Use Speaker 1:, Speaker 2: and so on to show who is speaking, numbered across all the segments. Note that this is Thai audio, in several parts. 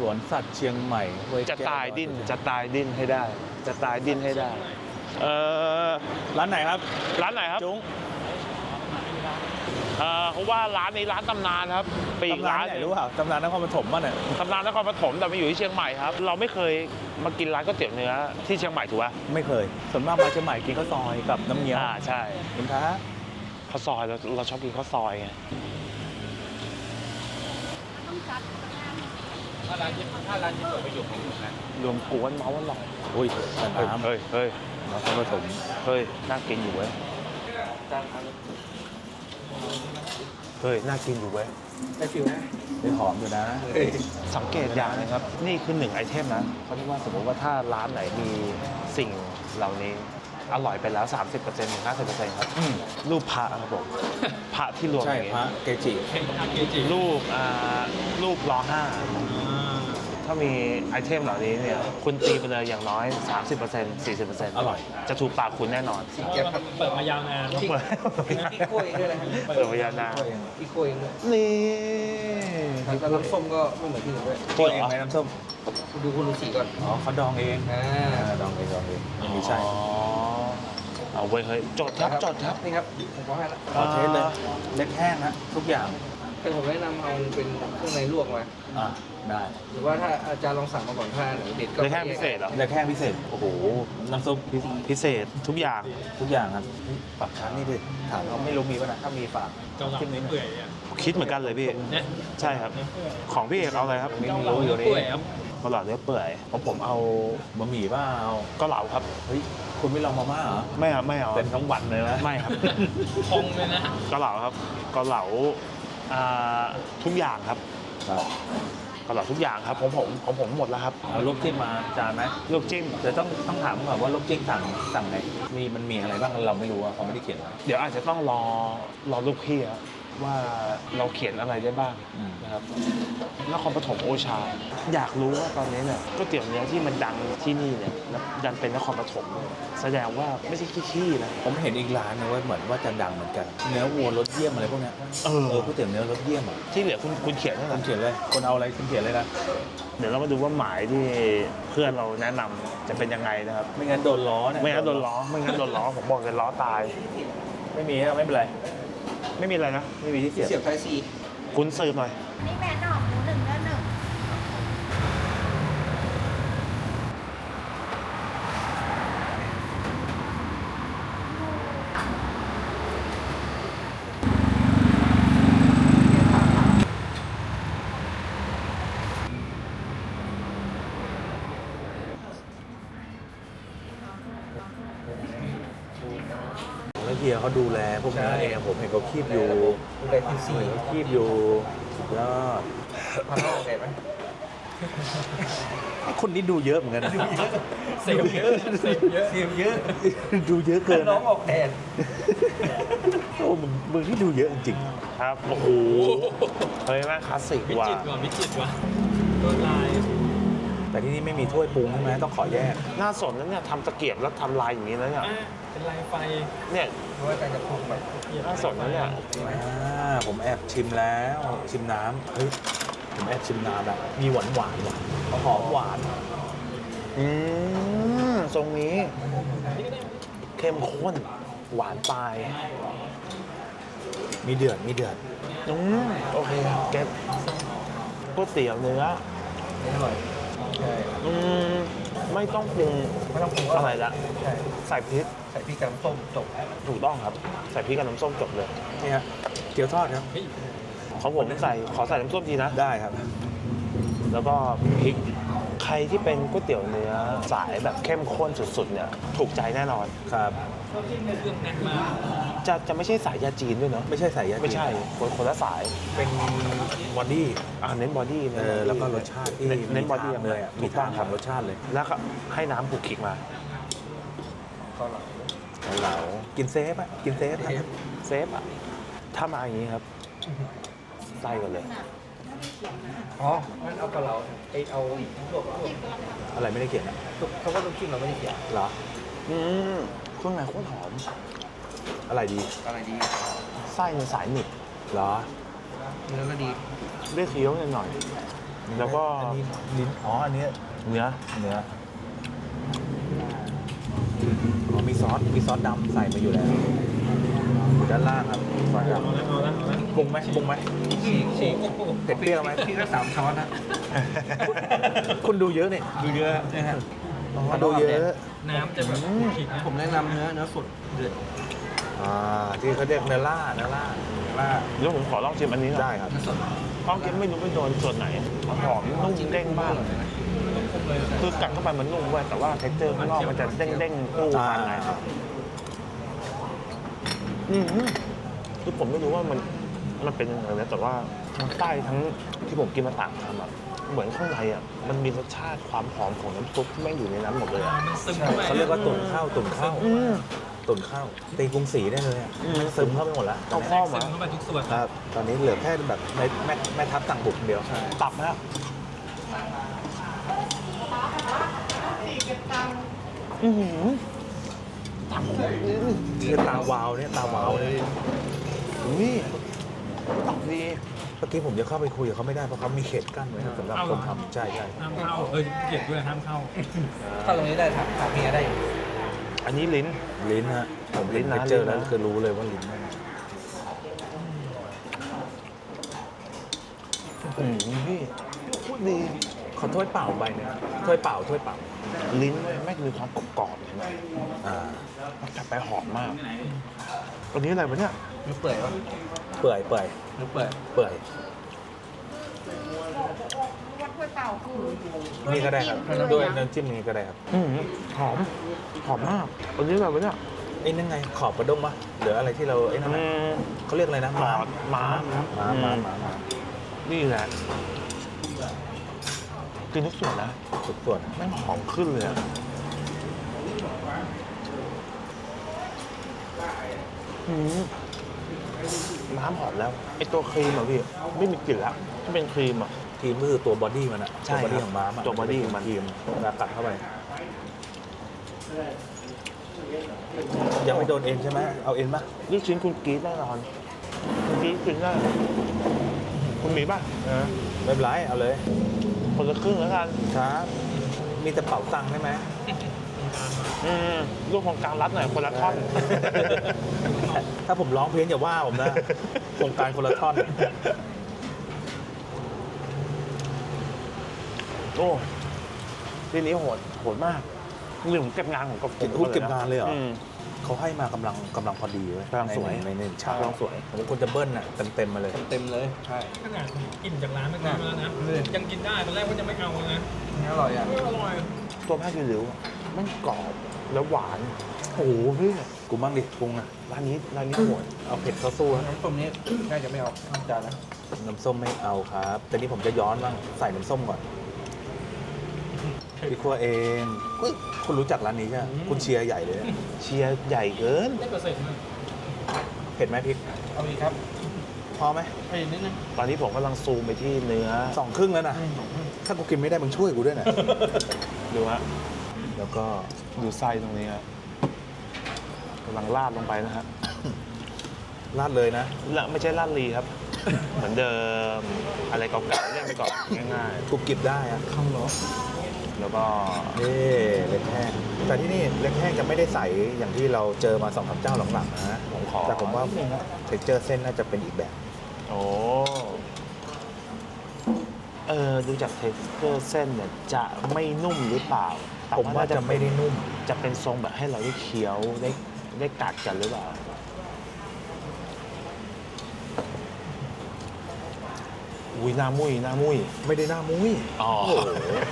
Speaker 1: วนสัตว์เชียงใหม่
Speaker 2: จะตายดิ้นให้ได้จะตายดิ้นให้ได้
Speaker 1: ร้านไหนครับ
Speaker 2: จุ้งเขาว่าร้านนี้ร้านตำนานครับปีกร้าน
Speaker 1: ไหนรู้เปล่าตำนานนครปฐมป่ะเนี่ย
Speaker 2: ตำนานนครปฐมแต่มาอยู่ที่เชียงใหม่ครับเราไม่เคยมากินร้านก๋วยเตี๋ยวเนื้อที่เชียงใหม่ถูกป่ะ
Speaker 1: ไม่เคยส่วนมากมาเชียงใหม่กินข้าวซอยกับน้ำเงี้ยว
Speaker 2: ใช่
Speaker 1: คุณท้า
Speaker 2: ข้าวซอยเราชอบกินข้าวซอยไงถ้าร้านญี่ปุ่นไปอยู่ของผมนะรวมกวนเมาส์อร่อย
Speaker 1: อุ้ยน้ำ
Speaker 2: เฮ้ย
Speaker 1: นครปฐม
Speaker 2: เฮ้ยน่ากินอยู่เว้ยน่ากินอยู่เว้ย
Speaker 1: ได้ฟิลนะได้หอมอยู่นะ
Speaker 2: สังเกตอย่างนึงครับนี่คือ1ไอเทมนะเขาเรียกว่าสมมติว่าถ้าร้านไหนมีสิ่งเหล่านี้อร่อยไปแล้ว 30% ถึง 50% ครับรูปพระครับผมพระที่รวมอย่างเงี้ย
Speaker 1: พระเกจิ
Speaker 2: รูปล้อ5ถ้ามีไอเทมเหล่านี้เนี่ยคุณตีไปเลยอย่างน้อย 30% 40%
Speaker 1: อร่อย
Speaker 2: จะถูกปากคุณแน่นอน
Speaker 3: เปิดมายาวนาน
Speaker 2: พี่
Speaker 3: กล้วยด้วยนะครับ
Speaker 2: เปิดมายาวนาน
Speaker 3: พี่กล้วยด้วย
Speaker 2: นี่
Speaker 3: แล้วน้ำส้มก็ไม่เหมือนที่อื่นด้วย
Speaker 1: กล้วยเองไหมน้ำส้ม
Speaker 3: ดูคุณดูสีก่อน
Speaker 1: เขาดองเองดองเองมีใช่
Speaker 2: เอาไว้เฮ้ยจดครับ
Speaker 3: นี่ครับผมก็ให้ละ
Speaker 1: ขอเทสเลยเล็กแห้งนะทุกอย่าง
Speaker 3: แต่ผมแนะนำเอาเป็นเครื่องในลวกมา
Speaker 1: ได้
Speaker 3: หรือว่าถ้าอาจารย์ลองสั่งมาก่อนถ้าเด็ดก็
Speaker 2: เล็กแห้งพิเศษเหรอ
Speaker 1: เล็กแห้งพิเศษโอ้โหน้ำซุป
Speaker 2: พิเศษทุกอย่าง
Speaker 1: ครับฝากร้านนี่ดิถามเขาไม่รู้มีป่ะนะถ้ามีฝาก
Speaker 3: คิดนี้เปื่อย
Speaker 2: คิดเหมือนกันเลยพี่ใช่ครับของพี่เอกเอาอะไรครับ
Speaker 1: ไม่รู้อยู่นี่
Speaker 2: เกาเหลาเนื้อเปื่อยของผมเอา
Speaker 1: บะหมี่บ้าเอา
Speaker 2: เกาเหลาครับ
Speaker 1: เฮ้ยคุณไม่ลองมาม่าเหรอ
Speaker 2: ไม่เอา
Speaker 1: เป็นทั้งวันเลยนะ
Speaker 2: ไม่ครับ
Speaker 3: พองเลยนะ
Speaker 2: เกาเหลาครับเกาเหลาทุกอย่างครับเกาเหลาทุกอย่างครับของผมหมดแล้วครับ
Speaker 1: เอาลูกจิ้มมาจานไหม
Speaker 2: ลูกจิ้ม
Speaker 1: เดี๋ยวต้องถามก่อนว่าลูกจิ้มสั่งไงมันมีอะไรบ้างเราไม่รู้เขาไม่ได้เขียนไว้
Speaker 2: เดี๋ยวอาจจะต้องรอลูกพี่ว่าเราเขียนอะไรได้บ้างนะครับนครปฐมโอชาอยากรู้ว่าตอนนี้เนี่ยก๋วยเตี๋ยวเนื้อที่มันดังที่นี่เนี่ยดันเป็นนครปฐมแสดงว่าไม่ใช่ขี้ๆนะ
Speaker 1: ผมเห็นอีกร้านนึงว่าเหมือนว่าจะดังเหมือนกันเนื้อวัวรสเยี่ยมอะไรพวกนี้ก๋วยเตี๋ยวเนื้อรสเยี่ยม
Speaker 2: ที่เหลือคุณเขียนให้
Speaker 1: คุณเขียนเลยคนเอาอะไรคุณเขียนเลยนะ
Speaker 2: เดี๋ยวเรามาดูว่าหมายที่เพื่อนเราแนะนำจะเป็นยังไงนะครับ
Speaker 1: ไม่งั้นโดนล้อเนี่ย
Speaker 2: ไม่งั้นโดนล้อผมบอกเลยล้อตาย
Speaker 1: ไม่มีไม่เป็นไร
Speaker 2: ไม่มีอะไรนะ
Speaker 1: ไม่มีที่เสียบ
Speaker 3: ไทยซี
Speaker 2: คุณซื้อหน่อย
Speaker 4: นี่แม่หน่อหมู1 เนื้อ 1
Speaker 1: แล้วเฮียเขาดูแลพวกนี้เองผมเห็นเขาคีบอยู่
Speaker 3: ดูแลทีซี
Speaker 1: คีบอยู่สุดยอด
Speaker 3: พันห้าเด็ดไหม
Speaker 1: คนนี้ดูเยอะเหมือนกัน
Speaker 3: เสียเยอะ
Speaker 1: ดูเยอะเกิน
Speaker 3: น้องออกแทน
Speaker 1: โอ้มึงที่ดูเยอะจริง
Speaker 2: ครับโอ้โหเฮ้ยแม่คลาสสิกว่ะ
Speaker 3: วิจิตรว่ะตัวลาย
Speaker 1: แต่ที่นี่ไม่มีถ้วยปรุงใช่ไหมต้องขอแยก
Speaker 2: น่าสนนะเนี่ยทำตะเกียบแล้วทำลายอย่างนี้แล้วเนี่ย
Speaker 3: เป็นลายไฟ
Speaker 2: เนี่ย
Speaker 3: เพราะว่าการจะปรุงแบบ
Speaker 2: น่าสนนะเนี่ย
Speaker 1: ผมแอบชิมแล้วชิมน้ำเฮ้ยผมแอบชิมน้ำแล้วมีหวานหอมหวาน
Speaker 2: ทรงนี้เข้มข้นหวานปลาย
Speaker 1: มีเดือด
Speaker 2: โอเคเก็บก๋วยเตี๋ยวเนื้อ
Speaker 3: อร่อย
Speaker 2: ไม่ต้องปรุงอะไรละใส่พริก
Speaker 3: กับน้ำส้มจบ
Speaker 2: ถูกต้องครับใส่พริกกับน้ำส้มจบเลย
Speaker 1: นี่ฮะเกี๊ยวทอดครับ
Speaker 2: ของผมขอใส่น้ำส้มทีนะ
Speaker 1: ได้ครับ
Speaker 2: แล้วก็พริกใครที่เป็นก๋วยเตี๋ยวเนื้อสายแบบเข้มข้นสุดๆเนี่ยถูกใจแน่นอน
Speaker 1: ครับ
Speaker 2: จะไม่ใช่สายยาจีนด้วยเนาะ
Speaker 1: ไม่ใช่สายยาจีน
Speaker 2: ไม่ใช่คนละสาย
Speaker 1: เป็นบอดี้
Speaker 2: เน้นบอดี้
Speaker 1: แล้วก็รสชาติที่
Speaker 2: เน้นบอดี้
Speaker 1: เลยมีทางทำรสชาติเลย
Speaker 2: แล้วก็ให้น้ำผูกขิกมา
Speaker 1: เกาเหลากินเซฟ
Speaker 2: ถ้ามาอย่างนี้ครับไส้ก่อนเลย
Speaker 3: งั้นเอาเกาเหลาเอาลวก
Speaker 1: อะไรไม่ได้เขียน
Speaker 3: เขาก็ต้องชิมเราไม่ได้เขียน
Speaker 1: เหรอ
Speaker 2: เครื่องในโคตรหอม
Speaker 1: อะไรดี
Speaker 2: ไส้ในสายหนึบ
Speaker 1: เหรอ
Speaker 3: เนื้อก็ดี
Speaker 2: ได้เคี้ยวหน่อยแล้วก็
Speaker 1: อันนี้ลิ้นอ๋ออันนี้
Speaker 2: เนื้อ
Speaker 1: เนื้ออ๋อมีซอสดำใส่มาอยู่แล้วอยู่ด้านล่างครับซอสดำปรุงไหม
Speaker 3: ฉีก
Speaker 1: เผ็ดเปรี้ยวไหม
Speaker 3: พี่ก็3 ช้อนนะ
Speaker 1: คุณดูเยอะเนี่ย
Speaker 3: ดูเยอะนะฮะ
Speaker 1: ดูเยอะ
Speaker 3: น้ำจะแบบฉีกนะผมแนะนำเนื้อสดเดือด
Speaker 1: ที่เขาเรียกเนื้อล่า
Speaker 2: แล้วผมขอลองชิมอันนี้หน่อย
Speaker 1: ได้ครับ
Speaker 3: เนื้อสด
Speaker 2: เพราะกินไม่รู้ไปโดนส่วนไหนหอมนุ่มเด้งมาก คือกัดเข้าไปมันนุ่มเว้ยแต่ว่าเท็กเจอร์ข้างนอกมันจะเด้งๆคู่กันไงคือผมไม่รู้ว่ามันเป็นยังไงนะแต่ว่าทั้งใต้ทั้งที่ผมกินมาต่างกันอะเหมือนข้างในอ่ะมันมีรสชาติความหอมของน้ำซุปที่แม่งอยู่ในนั้นหมดเลยอะ
Speaker 3: มันซึมเข้าไป
Speaker 1: เขาเรียกว่าตุ่นข้าวตุ่นข้าวตีกรุงศรีได้เลยอะมันซึมเข้าไปหมดแล้ว
Speaker 2: เอาข้อมา
Speaker 3: ซึมเข้าไปทุกส่วน
Speaker 1: ครับ ตอนนี้เหลือแค่แบบแม่ทัพสั่งบุกเดียว
Speaker 2: ตับแล้วตับ
Speaker 1: คือตาวาวเนี่ยตาวาวเลย
Speaker 2: นี่ตับดี
Speaker 1: เมื่อกี้ผมจะเข้าไปคุยกับเขาไม่ได้เพราะเขามีเขตกั้นไว้ครับสำหรับคนทำใช่
Speaker 3: ห้ามเข้าเก็บด้วยห้ามเข้าเข้าตรงนี้ได้ถามเมียได้
Speaker 2: อันนี้ลิ้น
Speaker 1: ลิ้นฮะผม
Speaker 2: ลิ้นนะ
Speaker 1: เจอ
Speaker 2: ลิ้นนะ
Speaker 1: แล้วคือรู้เลยว่าลิ้น
Speaker 2: พี่พูดดี
Speaker 1: ขอถ้วยเปล่าใบหนึงถ้วยเปล่า
Speaker 2: ลิ้นไม่มีความกรอบๆใช่ไหม
Speaker 1: อ่า
Speaker 2: มันกลับไปหอมมากอันนี้อะไรวะเนี่ย
Speaker 3: หรือเปื่อยวะ
Speaker 1: เปื่อย
Speaker 3: หรือเปื่อย
Speaker 4: วัดถ้วยเปล่าคือ
Speaker 1: นี่ก็ได้ครับด้วยน้ำจิ้มนี้ก็ได้ครับ
Speaker 2: หอมมากอันนี้อะไรวะเนี่ย
Speaker 1: ไอ้นั่นไงขอบกระด้งปะหรืออะไรที่เราไอ้นั่นน่ะเขาเรียกอะไรนะ
Speaker 2: หอมม้า
Speaker 1: ม้า
Speaker 2: นี่แหละกินทุกส่วนนะ
Speaker 1: ทุกส่วน
Speaker 2: แม่งหอมขึ้นเลยอะน้ำหอมแล้วไอตัวครีมอะพี่ไม่มีกลิ่นละถ้าเป็นครีมอะ
Speaker 1: ทีมก็คือตัวบอดี้มันอะ
Speaker 2: ใช่
Speaker 1: ตัวบอดี้
Speaker 2: ครับ
Speaker 1: ของม้าอะ
Speaker 2: ตัวบอดี้ของมัน
Speaker 1: ทีมเวลากัดเข้าไป ยังไม่โดนเอ็นใช่ไหมเอาเอ็นปะ
Speaker 2: ลูกชิ้นคุณกรี๊ดแน่นอนคุณกรี๊ดกินได้คุณมีป่ะ
Speaker 1: ไม่เป็นไรเอาเลย
Speaker 2: คนละครึ่งแล้วกัน
Speaker 1: ครับมีแต่เป๋าตังค์ได้ไหม
Speaker 2: ลูกของกลางรัดหน่อยคนละท่อน
Speaker 1: ถ้าผมร้องเพี้ยนอย่าว่าผมนะ โครงการคนละท่อน
Speaker 2: โอ้ทีนี้โหดมากหนึ่งเก็บงานของกบ
Speaker 1: เก็บงานเลยเหรอ
Speaker 2: ม
Speaker 1: เขาให้มากำลังพอดีเว้ย
Speaker 2: กำลังสวย
Speaker 1: ในฉากกำลังสวยผมควรจะเบิ้ลน่ะเต็มมาเลย
Speaker 3: เต็มเลยใช่
Speaker 5: ขนาดกินจากร้านเมื่อกี้มาแล้วนะ ยังกินได้ตอนแรกว่าจะไม่เอานะ
Speaker 3: อร่อยอ่ะ
Speaker 5: อร่อย
Speaker 2: ตัวผ้ากิริ้วอะมันกรอบแล้วหวาน โอ้โหพี่
Speaker 1: กูมั่งดิปรุงอ่ะ
Speaker 2: ร้านนี้โหด
Speaker 1: เอาเผ็ดเข้าสู้นะ
Speaker 3: น้ำต้มนี้น่าจะไม่เอาข้างจานนะ
Speaker 1: น้ำส้มไม่เอาครับ แต่นี่ผมจะย้อนบ้างใส่น้ำส้มก่อนพี่ครัวเองคุณรู้จักร้านนี้ใช่ไหมคุณเชียร์ใหญ่เลยเนี่ย
Speaker 2: เชียร์ใหญ่เกิน
Speaker 5: ได้เปอร์เซ็นต์นะ
Speaker 1: เผ็ดไหมพริก
Speaker 3: เอาอีกครับ
Speaker 1: พอไหม
Speaker 3: ให้อีกนิดนึง
Speaker 2: ตอนนี้ผมกำลังซูมไปที่เนื้อ
Speaker 1: 2 ครึ่งแล้วนะ ถ้ากูกินไม่ได้มึงช่วยกูด้วยนะ
Speaker 2: ดูฮะ
Speaker 1: แล้วก็
Speaker 2: ดูไส้ตรงนี้ฮะกำลังราดลงไปนะฮะ
Speaker 1: ราดเลยนะ
Speaker 2: และไม่ใช่ราดลีครับ เหมือนเดิมอะไรเก่าๆเล่นไปก่อนง่าย
Speaker 1: กูกิบได้อะ
Speaker 3: ข้างล้อ
Speaker 2: ๆ แล้วก็
Speaker 1: นี่เล็กแห้งแต่ที่นี่เล็กแห้งจะไม่ได้ใสอย่างที่เราเจอมา2-3เจ้าหลังๆนะ
Speaker 2: ผมขอ
Speaker 1: แต่ผมว่าเท็กเจอร์เส้นน่าจะเป็นอีกแบบ
Speaker 2: โอ้ดูจากเท็กเจอร์เส้นเนี่ยจะไม่นุ่มหรือเปล่าแต่
Speaker 1: ผมว่าจะไม่ได้นุ่ม
Speaker 2: จะเป็นทรงแบบให้เราได้เคี้ยวได้กัดกันหรือเปล่าอุ้ยหน้ามุ้ย
Speaker 1: ไม่ได้หน้ามุ้ย
Speaker 2: อ๋อ
Speaker 1: โอ้โห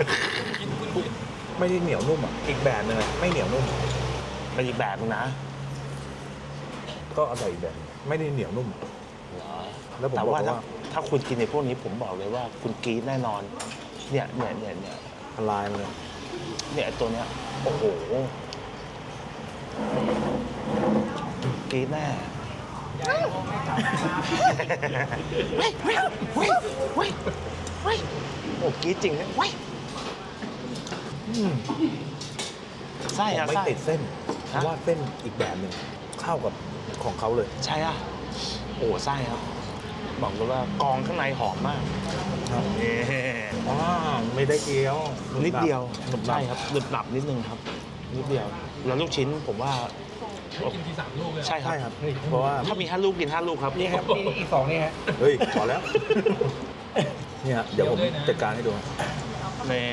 Speaker 1: ไม่ได้เหนียวนุ่มอ่ะอีกแบบหนึงอะไม่เหนียวนุ่ม
Speaker 2: เป็นอีกแบบนึงนะ
Speaker 1: ก็อร่อยอีกแบบไม่ได้เหนียวนุ่ม แล้วผม
Speaker 2: แต่
Speaker 1: บอก
Speaker 2: ว่า
Speaker 1: ว่า
Speaker 2: ถ้าคุณกินในพวกนี้ผมบอกเลยว่าคุณกรี๊ดแน่นอน เนี่ย
Speaker 1: ละลายมาเลย
Speaker 2: เนี่ยตัวเนี้ยโอ้โหกรี๊ดแน่โอ้กรี๊ดจริงเนี่ยไส้
Speaker 1: ผม
Speaker 2: อะ
Speaker 1: ไม่
Speaker 2: ไส้
Speaker 1: ติดเส้นเพราะว่าเส้นอีกแบบหนึ่งเข้ากับของเขาเลย
Speaker 2: ใช่อะโอ้ไส้ครับบอกเลยว่ากองข้างในหอมมาก
Speaker 1: ครับ
Speaker 2: นี่
Speaker 1: อ๋อไม่ได้เกี๊ยว
Speaker 2: นิดเดียว
Speaker 1: หนุบหนับ
Speaker 2: ใช่ครับหนึบหนับนิดนึงครับนิดเดียวแล้วลูกชิ้นผมว่า
Speaker 5: ให้กินที3 ลูกเลย
Speaker 2: ใช่ครับ
Speaker 1: ใช่ครับ เพราะว่า
Speaker 2: ถ้ามี5 ลูกกิน5 ลูกครับ
Speaker 3: นี่ครับนี่อีก2นี่ฮะ
Speaker 1: เฮ้ยพอแล้ว เนี่ยเดี๋ยวผมจัดการให้ดู
Speaker 2: นี่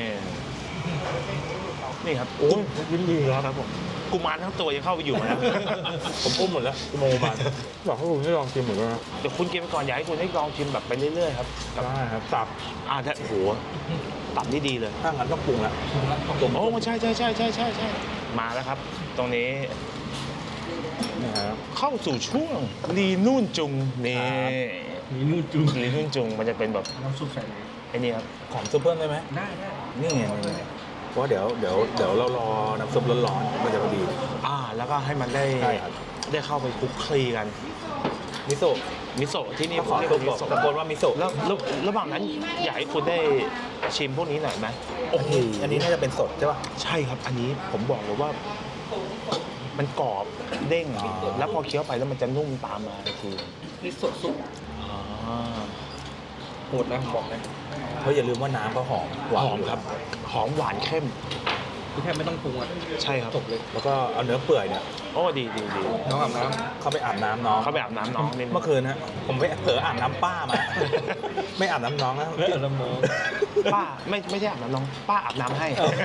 Speaker 2: นี่ครับ
Speaker 1: โอ้ยยินดีครับ
Speaker 2: ครับผมกุมารทั้งตัวยังเข้าไปอยู่แล้ว
Speaker 1: ผมอุ้มหมดแล้วชั่วโมงประมาณอยากให้คุณได้ลองชิมเหมือนกันนะ
Speaker 2: เดี๋ยวคุณกินไปก่อนอยากให้คุณได้ลองชิมแบบไปเรื่อยๆครับ
Speaker 1: ได้ครับตับ
Speaker 2: ถ้าโอ้โหตับนี่ดีเลย
Speaker 1: ถ้างั้นต้องปรุงละ
Speaker 2: โอ้ใช่มาแล้วครับ ตรงนี้
Speaker 1: นี่ครับ
Speaker 2: เข้าสู่ช่วงลีนุ่นจุงนี่
Speaker 3: มีนู่นจุ่ม
Speaker 2: ลีนุ่นจุงมันจะเป็นแบบ
Speaker 3: น้ำซุปใส่เลย
Speaker 2: ไอ้นี่ครับ
Speaker 1: ขอมซุปเพิ่มได้ไหม
Speaker 3: ได้
Speaker 1: นี่ไงนี่ไงเพราะว่าเดี๋ยวเรารอน้ำซุปร้อนๆมันจะพอดี
Speaker 2: แล้วก็ให้มันได้
Speaker 1: ใช่ครับ
Speaker 2: ได้เข้าไปคลุกคลีกัน
Speaker 1: มิโซะ
Speaker 2: มิโซะที่นี่
Speaker 1: ก็ขอ
Speaker 2: เรียก
Speaker 1: ซุป
Speaker 2: ว่ามิ
Speaker 1: บอก
Speaker 2: โซะ
Speaker 1: ตะโกนว่ามิโซะ
Speaker 2: แล้วระหว่างนั้นอยากให้คุณได้ชิมพวกนี้หน่อยไหม
Speaker 1: โอ้โหอันนี้น่าจะเป็นสดใช่ป่ะ
Speaker 2: ใช่ครับ อันนี้ผมบอกเลยว่า มันกรอบเด้ง
Speaker 1: อ๋อ
Speaker 2: แล้วพอเคี้ยวไปแล้วมันจะนุ่มตามมาคือ
Speaker 3: นี่สดซุป
Speaker 2: อ่า
Speaker 3: โหดนะผมบอกเลย
Speaker 1: เพราะอย่าลืมว่าน้ำเขาหอมหวาน
Speaker 2: หอมครับ หอมหวานเข้ม
Speaker 3: ที่แทบไม่ต้องปรุงอ่ะ
Speaker 2: ใช่ครับ
Speaker 3: จบเลย
Speaker 1: แล้วก็เอาเนื้อเปื่อยเนี่ย
Speaker 2: โอ้ดี
Speaker 3: น้องอาบน้
Speaker 1: เข้าไปอาบน้ำน้อง
Speaker 2: เขาไปอาบน้ำน้องนิดนึง
Speaker 1: เมื่อคืนฮะผมไปเผลออาบน้ำป้ามา ไม่อาบน้ำน้องนะ
Speaker 3: ำเลือดละมอง
Speaker 2: ป้าไม่ใช่อาบน้ำน้อง ป้าอาบน้ำให้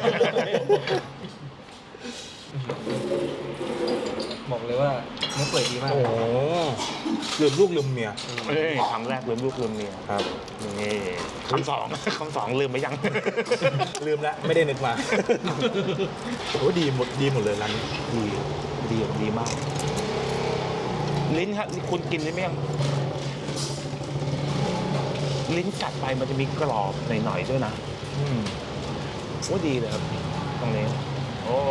Speaker 3: บอกเลยว่าเนื้อเปื่อยดีมาก
Speaker 1: โอ้โหลืมลูกลืมเมีย
Speaker 2: เอ้ยครั้งแรกลืมลูกลืมเมีย
Speaker 1: ครับ
Speaker 2: นี่คำสองคำสองลืมไปยัง
Speaker 1: ลืมแล้วไม่ได้นึกมาโอ้ดีหมดเลยร้านนี้
Speaker 2: ดีมาก ลิ้นครับคุณกินได้ไหมยังลิ้นกัดไปมันจะมีกรอบหน่อยๆด้วยนะ
Speaker 1: อืม
Speaker 2: โอ้ดีเลยครับ ตรงนี้ โอ้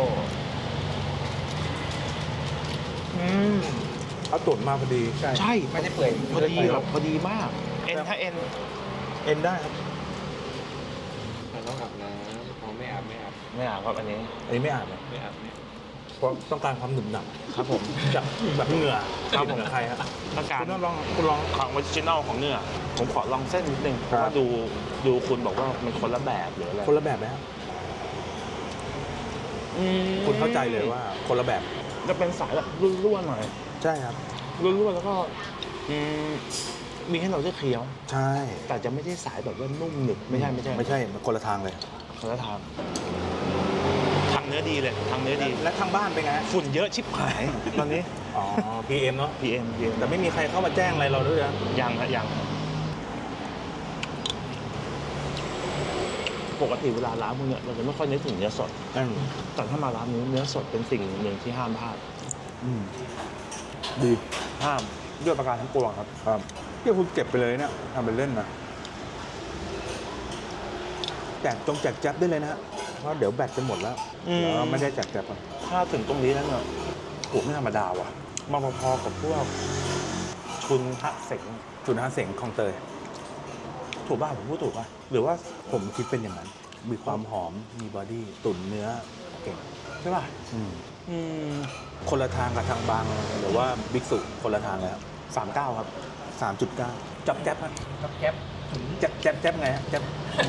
Speaker 1: เอาตุ๋นมาพอดี
Speaker 2: ใช่
Speaker 3: ไม่ได้เปื่อย
Speaker 2: พอดีแบบพอดีมาก ถ้าเอ็น
Speaker 1: เอ็นได้ครับ
Speaker 3: ต้องอาบน้ำเขาไม่อาบ
Speaker 2: ไม่อาบครับอันนี้
Speaker 1: อันนี้ไม่อาบเลย
Speaker 3: ไม่อาบ
Speaker 1: เพราะต้องการความหนึบหนับ
Speaker 2: ครับผม
Speaker 1: จากแบบเหงื่อ
Speaker 2: ครับผม
Speaker 1: เหงื่อใครครับ
Speaker 2: ต้องการ
Speaker 1: คุณลอง
Speaker 2: ของออริจินอลของเนื้อผมขอลองเส้นนิดนึงเพ
Speaker 1: ครับ
Speaker 2: ราะว่าดูคุณบอกว่ามันคนละแบบหรืออะไร
Speaker 1: คนละแบบไหมครับ คุณเข้าใจเลยว่าคนละแบบ
Speaker 2: จะเป็นสายแบบร่วนๆหน่อย
Speaker 1: ใช่ครับ
Speaker 2: ร่วนๆแล้วก็มีให้เราได้เคี้ยว
Speaker 1: ใช่
Speaker 2: แต่จะไม่ใช่สายแบบว่านุ่มหนึบไม่ใช่
Speaker 1: ไม่ใช่มันคนละทางเลย
Speaker 2: คนละทางทางเนื้อดีเลยทางเนื้อดี
Speaker 1: และทางบ้านเป็นไงฮะ
Speaker 2: ฝุ่นเยอะชิบหายตอนนี้
Speaker 1: อ๋อ PM เนาะ
Speaker 2: PM
Speaker 1: แต่ไม่มีใครเข้ามาแจ้งอะไรเราด้วยนะ
Speaker 2: ยังปกติเวลาร้านพวกเนี้ยเราจะไม่ค่อยนึกถึงเนื้อสด
Speaker 1: อืม
Speaker 2: แต่ถ้ามาร้านนี้เนื้อสดเป็นสิ่งหนึ่งที่ห้ามพลาด
Speaker 1: อืมดี
Speaker 2: ห้ามด้วยประการทั้งปวงครับ
Speaker 1: ครับเดี๋ยวคุณเก็บไปเลยเนี่ยทำเป็นเล่นนะแจกแจ๊บได้เลยนะฮะเพราะเดี๋ยวแบตจะหมดแล้ว
Speaker 2: อืม
Speaker 1: แล้วไม่ได้แจกแจ๊บอ่ะ
Speaker 2: ถ้าถึงตรงนี้แล้วเนี่ยโหไม่ธรรมดาว่ะมาพอๆกับพวกชุนทะเสง
Speaker 1: จุดห้าเสงคลองเตย
Speaker 2: ถูกป่ะผมพูดถูกป่ะหรือว่า
Speaker 1: ผมคิดเป็นอย่างนั้น มีความหอม มีบอดี้ ตุ๋นเนื้อเก่ง
Speaker 2: ใช่ป่ะ
Speaker 1: อืม
Speaker 2: อืม
Speaker 1: คนละทางกับทางบางหรือว่าบิ๊กสุคนละทางเลยครับ
Speaker 2: 39ครับ
Speaker 1: 3.9 จับแจ๊บฮะ
Speaker 3: กับแก๊ป
Speaker 1: แจ๊บไงฮะแจ๊บ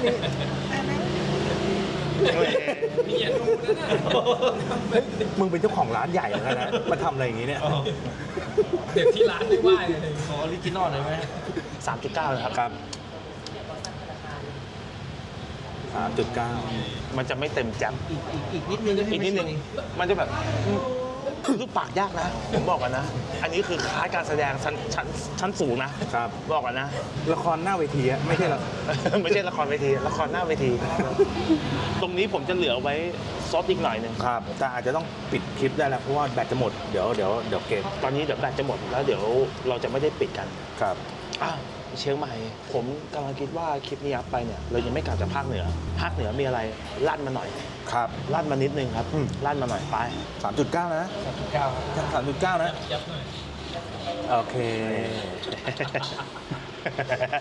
Speaker 5: นี่อย่าดูนะน่ะ
Speaker 1: มึงเป็นเจ้าของร้านใหญ่เหมือนกันนะมาทำอะไรอย่างงี้เนี่ย
Speaker 5: เด็กที่ร้านไม่ไหวเลย
Speaker 3: ขอออริจินอลหน่อยไหม
Speaker 2: 3.9เลยครับ
Speaker 1: ครับ 3.9
Speaker 2: มันจะไม่เต็มแจ่ม
Speaker 3: อีกนิดนึง
Speaker 2: อีกนิดนึงมันจะแบบรูปปากยากนะ ผมบอกกันนะ อันนี้คือคลาสการแสดงชั้นสูงนะครับ บอกกันนะ
Speaker 1: ละครหน้าเวทีอะไม่ใช่หรอ
Speaker 2: ไม่ใช่ละครเวทีละครหน้าเวที ตรงนี้ผมจะเหลือไว้ซอฟต์อีกหน่อยหนึง
Speaker 1: ครับ แต่อาจจะต้องปิดคลิปได้แล้วเพราะว่าแบตจะหมดเดี๋ยวเกม
Speaker 2: ตอนนี้เดี๋ยวแบตจะหมดแล้วเดี๋ยวเราจะไม่ได้ปิดกัน
Speaker 1: ครับ
Speaker 2: เชียงใหม่ ผมกำลังคิดว่าคลิปนี้อัพไปเนี่ยเรายังไม่กลับจากภาคเหนือ ภาคเหนือมีอะไรลั่นมาหน่อย
Speaker 1: ครับ
Speaker 2: ลั่นมานิดนึงครับ
Speaker 1: อืม
Speaker 2: ลั่นมาหน่อยไป
Speaker 1: 3.9 นะ
Speaker 3: 3.9ครับ
Speaker 1: 3.9 นะ
Speaker 5: ยับหน่อย
Speaker 1: โอเค